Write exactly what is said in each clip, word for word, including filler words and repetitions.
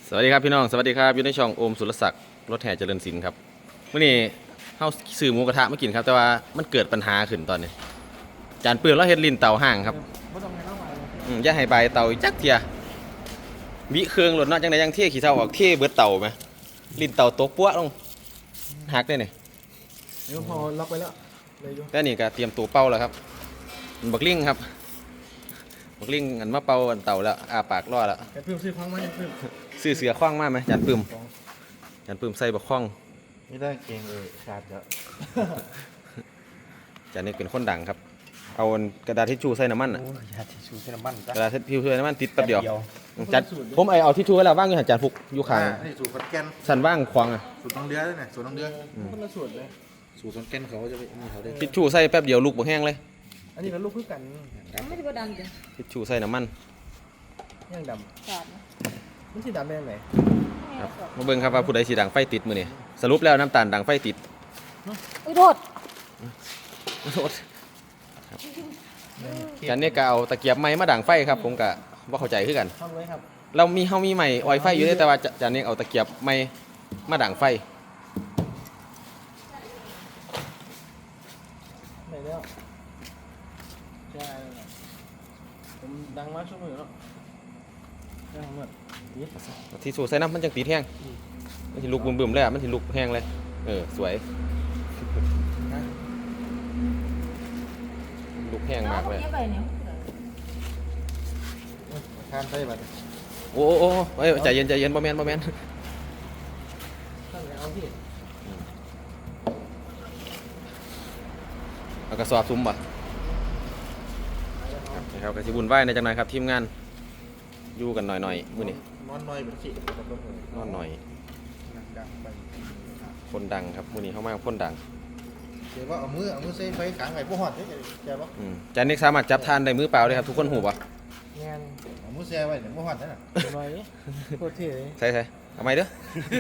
สวัสดีครับพี่น้องสวัสดีครับอยู่ในช่องโอมสุรศักดิ์รถแห่เจริญศิลป์ครับเมื่อนี้เฮาซื้อหมูกระทะมากินครับแต่ว่ามันเกิดปัญหาขึ้นตอนนี้จานเปลือกแล้วเฮ็ดลิ้นเตาห่างครับอืมอย่าให้ใบเตาจักเทียวิเครื่องรถเนาะจังได๋ยังเที่ยขี้เท่าออกเที่ยเบิดเตาไหมลิ้นเตาตกปั้วลงหักได้นี่เดี๋ยวพอล็อกไปแล้วเลยอยู่แต่นี่ก็เตรียมตัวเป่าแล้วครับบักลิงครับบักลิงอันมาเป่าอันเตาแล้วอาปากรอแล้วแต่เพิ่มซื้อครั้งไหมเพิ่มซื้อเสือคว้างมาไหมจานปื้มจานปื้มใส่บักคว้างไม่ได้เก่งเลยขาดแล้วจานนี้เป็นคนดังครับเอากระดาษทิชชู่ใส่น้ำมันอ่ะโอ้ยยาทิชชู่ใช้น้ำมันจ้ะกระดาษทิชชู่ใส่น้ำมันติดแป๊บเดียวจานผมไอเอาทิชชู่ไว้แล้วว่างอยู่หันจานฟุกอยู่ข้างนี่สูตรขอนแก่นสันว่างควางอ่ะสูตรน้องเดือด้วยเนี่ยสูตรน้องเดือคนละส่วนเลยสูตรขอนแก่นเขาจะไปนี่เขาได้ทิชชู่ใส่แป๊บเดียวลูกบ่แห้งเลยอันนี้ก็ลูกคือกันไม่ได้บ่ดังจ้ะทิชชู่ใส่น้ำมันย่างดขาดนะำมันสีดำได้ยังไงครับมาเบิ่งครับว่าผู้ใดสีดังไฟติดมือนี่สรุปแล้วน้ำตาลดังไฟติดอุ้ยโทษโทษจานนี้ก็เอาตะเกียบไม้มาดังไฟครับผมก็บ่เข้าใจคือกันทำไว้ครับเรามีเฮามีไม้ออยไฟอยู่เด้แต่ว่าจานนี้เอาตะเกียบไม้มาดังไฟไหนแล้วใช่ผมดังมากช่วงมือแล้วดังมากนี่ที่สูใส่น้ำมันจังติดแห้งมันสิลุกบึ้มๆเลยอ่ะมันสิลุกแห้งเลยเออสวยลุกแห้งมากเลยไปเนี่ยทานไปบัดโอ้โอ้โอ้เอ้ยใจเย็นใจเย็นบ่แม่นบ่แม่นท่านเอาที่เอากระสอบซุ่มบ่ครับนะครับก็สิวุ่นวายในจังหน่อยครับทีมงานอยู่กันหน่อยๆมื้อนี้นอนน้อยเป็นสินอนหน่อยดังไปคนดังครับมื้อนี้เข้ามาคนดังเดี๋ยวว่าเอามือเอามือใส่ไฟขังไว้พวกหอดได้แกบ่อืมจานนี้สามารถจับทานได้มือเปล่าเลยครับทุกคนหูบ่งานเอามือแช่ไว้เดี๋ยวพวกหอดนั่นน่ะหน่อยโคตรเท่เลยใช่ๆเอาไหมเด้อ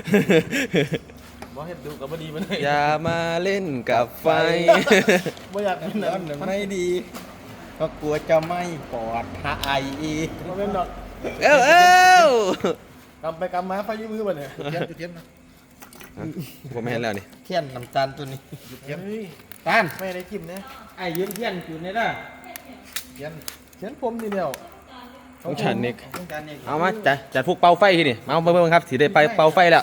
บอเห็ดดูกับบดีมันเลยอย่ามาเล่นกับไฟบ่อยากเป็นแบบนั้นไม่ดีก็กลัวจะไม่ปลอดภัยอีกบ่เป็นดอกเอ้าเอ้ากำไปกำมาไฟยืมมือบ่เนี่ยเทียนจุดเทียนนะผมไม่เห็นแล้วนี่เทียนน้ำตาลตัวนี้จุดเทียนเฮ้ยตาลไม่ได้จิ้มนะไอ้ยืนเทียนจุดนี่ล่ะเทียนเขียนผมทีเดียวต้องจานนิกต้องการนี่เอามาจัดจัดพวกเป่าไฟที่นี่มาเอามาเบิ่งครับสิได้ไปเป่าไฟแล้ว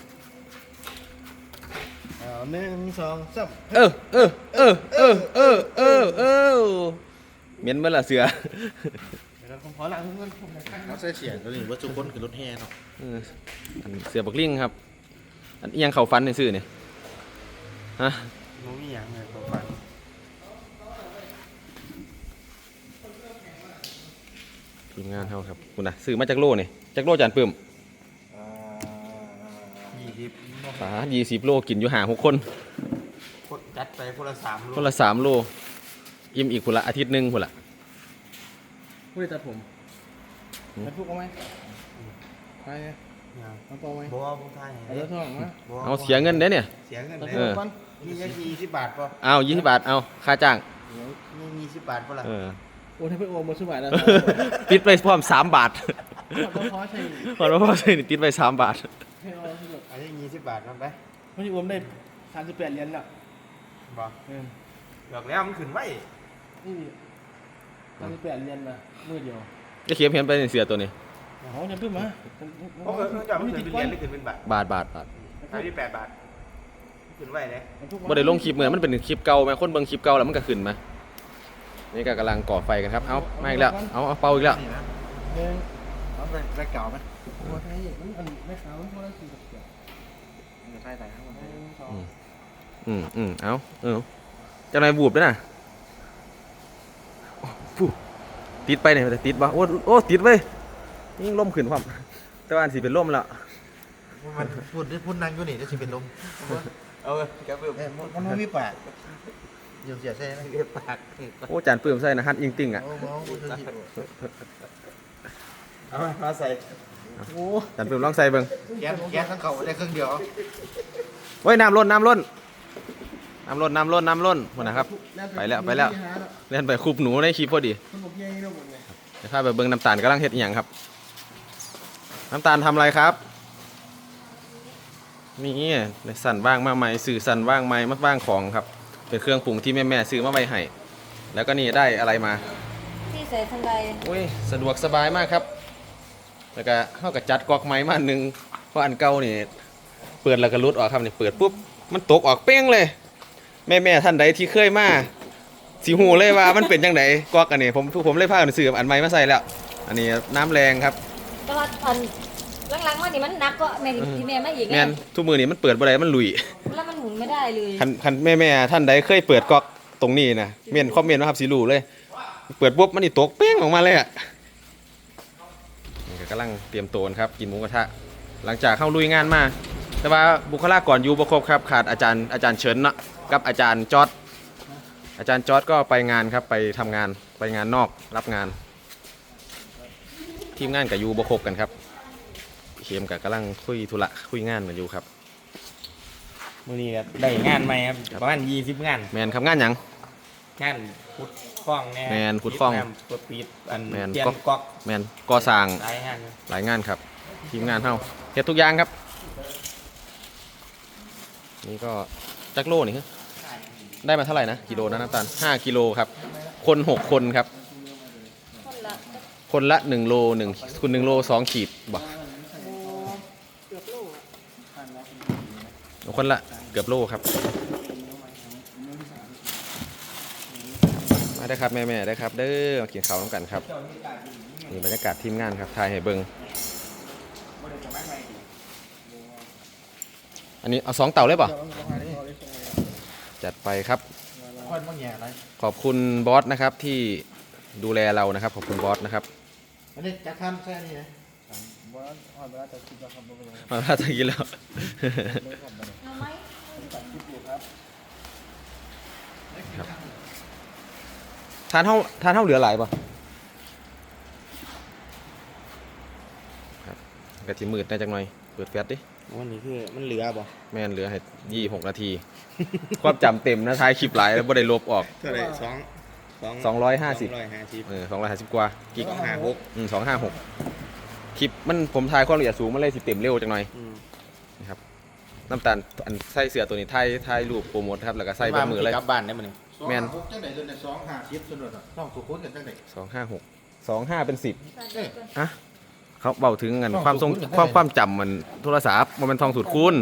เอาหนึ่งสองสามเออเออเออเออเออเออเออเหม็นเมื่อละเสือเดี๋ยวเราผมขอล้างเงินผมหน่อยครับเอาใส่เสียงตัวนี้ว่าทุกคนคือรถแห่เนาะเอออันเสือบักลิงครับอันอิหยังเข่าฟันในซื่อนี่ฮะมันมีอย่างเลยตัวฟังทีมงานเฮาครับคุณนะซื้อมาจากโลนี่จากโลจานปื้มยี่สิบฝายี่สิบโลกินอยู่หาหกคนคนจัดไปคนละสามคนละสามโลอิ่มอีกคนละอาทิตย์หนึงคนละผู้ใดตัดผมตัดพวกเอาไหมไปไงเอาต่อไหมบัวบัวไทยเอาเลือดทองมาเอาเสียเงินเด้อเนี่ยเสียเงินตัดเลยพวกมันมีแค่ยี่สิบบาทป่ะเอายี่สิบบาทเอาค่าจ้างมียี่สิบบาทป่ะล่ะเออโอ้ถ้าไปโอมมาสบายแล้วติดไปพร้อมสามบาทต้องขอใช่พอเราพอใช่ติดไปสามบาทให้เอาที่แบบอันนี้ยี่สิบบาทมันไปไม่ใช่โอมได้สามสิบแปดเหรียญแล้วบอกเออบอกแล้วมันขึ้นไว้นี่สามสิบแปดเหรียญนะมือเดียวจะเขียนเพียนไปในเสือตัวนี้เขาจะขึ้นมาเพราะเออมันจะมันขึ้นเป็นเหรียญหรือขึ้นเป็นบาทบาทบาทบาทสามสิบแปดบาทขึ้นไว้เลยบ่ได้ลงคลิปเหมือนมันเป็นคลิปเก่าไหมคนเบิ่งคลิปเก่าแล้วมันก็ขึ้นมานี่ก็กำลังก่อไฟกันครับเอามาอีกแล้วเอาเอาเป่าอีกแล้วนี่นะหนึ่งเอาไปไปเก่าไหมหัวไทยมันอันไม่ขาวมันคนละสี่กับเจ็ดมันจะใช่ไหนครับหนึ่งสองอืมอืมเอาเออจังไรบูบด้วยนะโอ้ฟู่ติดไปเนี่ยแต่ติดบ่โอ้โอ้ติดเว้ยยิ่งล่มขึ้นความแต่ว่าอันสิเป็นล่มแล้วมันพูดได้พูดนั่งอยู่นี่จะสิเป็นลมเอาเลยแกเปิดมันไม่มีปากเดี๋ยวเสียใช่ไหมเรียกปากโอ้จานปื้มใส่นะฮัทยิงติ่งอ่ะเอามองเอามาใส่โอ้จานปื้มลองใส่เบิ่งแก๊สแก๊สทั้งเขาได้เครื่องเดียวเฮ้ยน้ำล้นน้ำล้นน้ำล้นน้ำล้นน้ำล้นหมดนะครับไปแล้วไปแล้วเล่นไปคูบหนูในคลิปพอดีคนบอกยังไงเราหมดเลยเดี๋ยวข้าไปเบิ่งน้ำตาลกำลังเฮ็ดอหย่างครับ น้ำตาลทำอะไรครับมีในสั่นว่างมาใหม่สื่อสั่นว่างใหม่มาว่างของครับเป็นเครื่องปรุงที่แม่แม่ๆซื้อมาไว้ให้แล้วก็นี่ได้อะไรมาที่ใส่ทันใดอุ้ยสะดวกสบายมากครับแล้วก็เข้ากับจัดกอกไม้มาอันหนึงเพราะอันเก่านี่เปิดแล้วก็รุดออกครับนี่เปิดปุ๊บมันตกออกเป้งเลย แม่แม่ๆท่านใดที่เคยมาสิหูเลยว่ามันเป็นจังไดกอกอันนี้ผมผมเลยพากันซื้ออันใหม่มาใส่แล้ว อันนี้น้ำแรงครับแต่ว่าอันหลังๆมานี่มันหนักก็แม่นี่ที่แม่มาอีกไงแม่นทุกมือนี่มันเปิดบ่ได้มันลุยแล้วมันหมุนไม่ได้เลยคันคันแม่แม่ๆท่านใดเคยเปิดก๊อกตรงนี้นะเมียนคอมเมนต์นะครับสิรู้เลย เปิดปุ๊บมันนี่ตกเป้งออกมาเลยอ่ะนี่ก็กำลังเตรียมตัวครับกินหมูกระทะหลังจากเข้าลุยงานมาแต่ว่าบุคลากรอยู่บ่ครบครับขาดอาจารย์อาจารย์เฉินเนาะกับอาจารย์จอร์ดอาจารย์จอร์ดก็ไปงานครับไปทำงานไปงานนอกรับงาน ทีมงานกับยูบ่ครบกันครับเข็มกับกำลังคุยธุระคุยงานกันอยู่ครับมื้อนี้ก็ได้งานใหม่ครับประมาณยี่สิบงานแมนครับงานหยังงานขุดคลองแน่แม่นขุดคลองปิน้ำเปิดปิดอันแม่นเตียนก๊อกก๊อกแมนก่อสร้างหลายงานอยู่หลายงานครับทีมงานเฮาเฮ็ดทุกอย่างครับ นี่ก็จักโลนี่คือได้มาเท่าไหร่นะกิโลนะน้ำตาลห้ากิโลครับ คนหกคนครับคนละคนละหนึ่งโลหนึ่งคุณหนึ่งโลสองขีดบ่เกือบโลอะคนละเกือบโลครับมาได้ครับแม่ๆได้ครับเด้อมากินข้าวน้ำกันครับนี่บรรยากาศทีมงานครับถ่ายให้เบิ่งอันนี้เอาสองเต่าเลยป่ะจัดไปครับค่อยมาแง่อะไรขอบคุณบอสนะครับที่ดูแลเรานะครับขอบคุณบอสนะครับอันนี้จะขั้นแค่นี้นะบ่ฮอดเวลาจะคิดว่าครับบ่เป็นไรมาถ้าจะกินแล้วเอาไหมทานเท่าทานเท่าเหลือหลายป่ะครับกะทิมืดได้จังหน่อยเปิดแฟลชดิวันนี้คือมันเหลือบ่แม่นเหลือให้ยี่หกนาที ความจำเต็มนะท้ายคลิปหลายแล้วบ่ได้ลบออกเท่าไหร่สองสองร้อยห้าสิบสองร้อยห้าสิบเออสองร้อยห้าสิบกว่ากิกสองห้าหกอืมสองห้าหกคลิปมันผมถ่ายความละเอียดสูงมันเลยสิเต็มเร็วจังหน่อยอืมนะครับน้ำตาลอันใส่เสื้อตัวนี้ถ่ายถ่ายรูปโปรโมทครับแล้วก็ใส่เบนมือเลยกลับบ้านได้มื้อนี้แม่นสองหาหกจังไหนเลยเนี่ยสองห้าสิบส่วนอ่ะต้องสุขุนกันจังไหนสองห้าหกสองห้าเป็นสิบใส่เดี๋ยวก่อนอะเขาเบาถึงกันต้องความทรงสูตรคูณกันความได้ความจำมันโทรศัพท์มันเป็นทองสูตรคูณ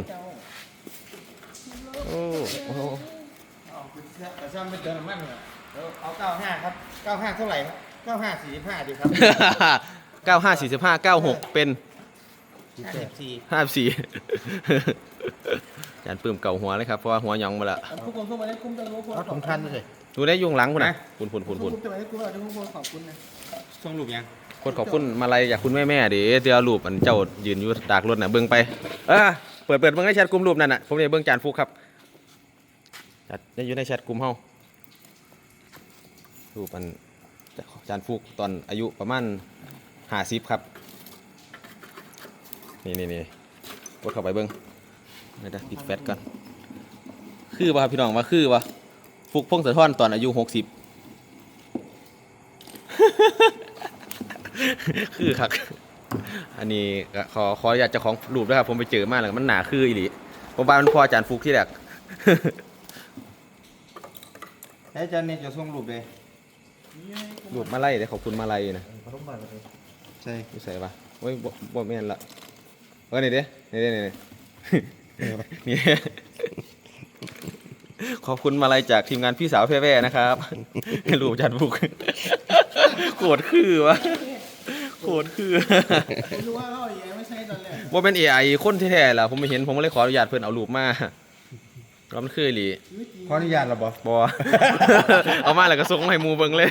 โอ้โอ้เอาคุณแต่ซ่อมเป็นเติมน้ำมันเหรอเดี๋ยวเอาเก้าห้าครับเก้าห้าเท่าไหร่ครับเก้าห้าสี่สิบห้าดีครับเก้าห้าสี่สิบห้าเก้าหกเป็นห้าสิบสี่ห้าสี่ จานปื้มเก่าหัวเลยครับเพราะว่าหัวหยองมาละทุกคนเข้ามาได้คุ้มจังรู้คนเอาถุงทันเลยดูได้ยุงหลังคุณนะคุณคุณคุณคุณคุ้มจะไปได้คุ้มเราจะคุ้มคนขอบคุณนะส่งรูปยังคนขอบคุณมาลัยจากคุณแม่แม่เดี๋ยวเดี๋ยวรูปอันเจ้ายืนอยู่ดากรถน่ะเบิ่งไปเออเปิดเปิดเบิ่งในแชทกลุ่มรูปนั่นน่ะผมเนี่ยเบิ่งจานฟุกครับจัดได้อยู่ในแชทกลุ่มเฮารูปอันจานฟุกตอนอายุประมาณห้าสิบครับนี่นี่นี่กดเข้าไปเบิ่งไม่ได้ปิดแฟลชก่อนคือป่ะครับพี่น้องว่าคือป่ะฟุกพงศธรตอนอายุหกสิบ คือครับ อันนี้ก็ขอขออยากจะของรูปด้วยครับผมไปเจอมาแล้วมันหนาคืออีหลีผมว่ามันพออาจารย์ฟุกที่แรกแล้วอาจารย์เนี่ยจะส่งรูปเลยรูปมาไล่เดี๋ยวขอบคุณมาไล่นะขนมมาเลยใช่นี่ใส่ปะโอ้ยบ่บ่แม่นละเออนี่เด้นี่เด้นี่เด้ นี่ ขอบคุณมาลัยจากทีมงานพี่สาวแพ่ๆนะครับ รูปอาจารย์ฟุก โคตรคือวะโคตรคือผมรู้ว่าเขาอย่างไม่ใช่ตอนแรกว่าเป็น เอ ไอ คนแท้ๆล่ะผมไม่เห็นผมก็เลยขออนุญาตเพื่อนเอารูปมาแล้วมันคืออีหลีขออนุญาตเราบ่บอ เอามาแล้วก็ส่งมาให้หมูเบิ่งเลย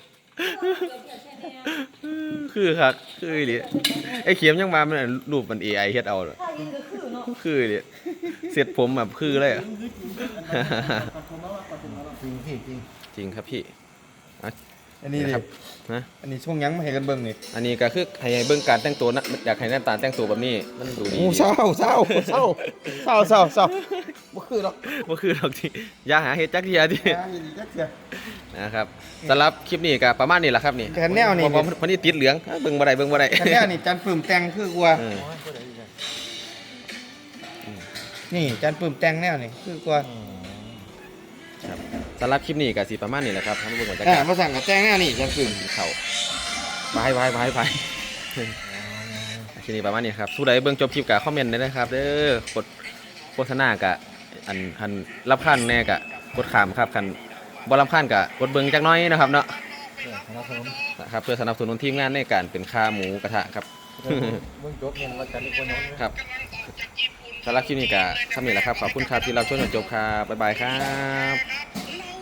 คือครับคืออีหลีไอ้เขียมยังมามันนะรูปมัน เอ ไอ เฮ็ดเอาถ้ายิงก็คือเนาะคืออีหลีเสร็จผมแบบคือเลยอะขอบคุณมากขอบคุณมากจริงพี่จริงจริงครับพี่อ่ะอันนี้ดิครับนะอันนี้ช่วงยังไม่ให้กันเบิ่งนี่อันนี้ก็คือให้เบิ่งการแต่งตัวนะอยากให้หน้าตาแต่งตัวแบบนี้มันดูดีโอ้เศร้าเศร้าเศร้าเศร้าเศร้าเศร้าบ่คือหรอกบ่คือดอกที่อย่าหาเฮ็ดจักเทียดิอ่าอีกจักเทื่อนะครับสำหรับคลิปนี้ก็ประมาณนี้แหละครับนี่แต่แนวนี้เพราะว่าเพราะนี่ติดเหลืองเบิ่งบ่ได้เบิ่งบ่ได้คันแนวนี่จันปื้มแต่งคือกว่าเออนี่จานปื้มแต่งแนวนี่คือกว่าครับสำหรับคลิปนี้ก็สิประมาณนี้แหละครับท่านผู้ชมบรรยาอ่ากาศมาสั่งกับแต่งแนวนี่จานปื้มเขาบายบายบายบายคลิปนี้ประมาณนี้ครับผู้ใดเบิ่งจบคลิปก็คอมเมนต์ได้นะครับเด้อกดโฆษณากะอันคันรับคันแน่กะกดขามครับคันบ่รับคันกะกดเบิ่งจักหน้อยนะครับเนาะครับผมนะครับเพื่อสนับสนุนทีมงานในการเป็นค่าหมูกระทะครับเบิ่งจบเงินว่ากันอีกคนนึงครับสำหรับคลิปนี้ก็ทำนี่แหละครับ ขอบคุณครับที่เราช่วยจนจบครับ บ๊ายบายครับ